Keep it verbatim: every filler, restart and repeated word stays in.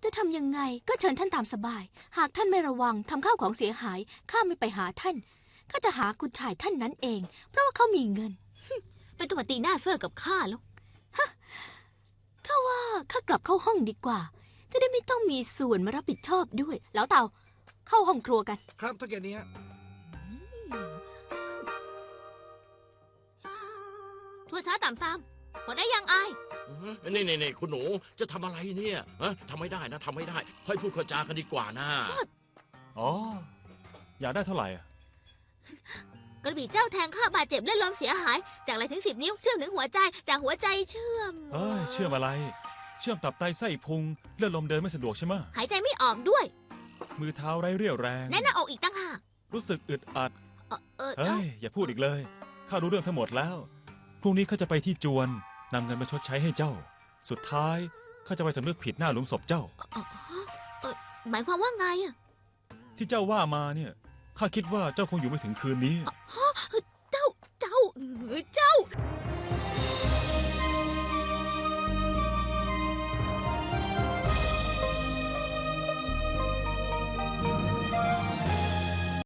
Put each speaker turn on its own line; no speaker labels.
จะทำยังไงก็เชิญท่านตามสบาย หากท่านไม่ระวังทำข้าวของเสียหายข้าไม่ไปหาท่านข้าจะหากุฎชายท่านนั้นเองเพราะว่าเขามีเงิน
ไม่ต้องมาตีหน้าเซ่อกับข้าแล้ว
ข้าว่าข้ากลับเข้าห้องดีกว่าจะได้ไม่ต้องมีส่วนมารับผิดชอบด้วยแล้วเต่าเข้าห้องครัวกัน
ครับทุกอย่างนี้
ทั่วช้าต่ำซ้ำพอได้ยังอาย
นี่นี่นี่คุณหนูจะทำอะไรเนี่ยฮะทำไม่ได้นะทำไม่ได้ค่อยพูดค่อยจากันดีกว่านะ
อ๋ออยากได้เท่าไหร่อ่ะ
กระบี่เจ้าแทงข้าบาดเจ็บเลือดลมเสียหายจากไหลถึงสิบนิ้วเชื่อมถึงหัวใจจากหัวใจเชื่อม
เอ้ยเชื่อมอะไรเชื่อมตับไตไส้พุงเลือดลมเดินไม่สะดวกใช่ไหม
หายใจไม่ออกด้วย
มือเท้าไร้เรี่ยวแรง
แน่นหน้าอกอีกตั้งหาก
รู้สึกอึดอัด
เฮ้
ยอย่าพูดอีกเลยข้ารู้เรื่องทั้งหมดแล้วพรุ่งนี้ข้าจะไปที่จวนนำเงินมาชดใช้ให้เจ้าสุดท้ายข้าจะไปสำนึกผิดหน้าหลุมศพเจ้า
หมายความว่าไงอะ
ที่เจ้าว่ามาเนี่ยข้าคิดว่าเจ้าคงอยู่ไม่ถึงคืนนี้
เจ้าเจ้าเจ้า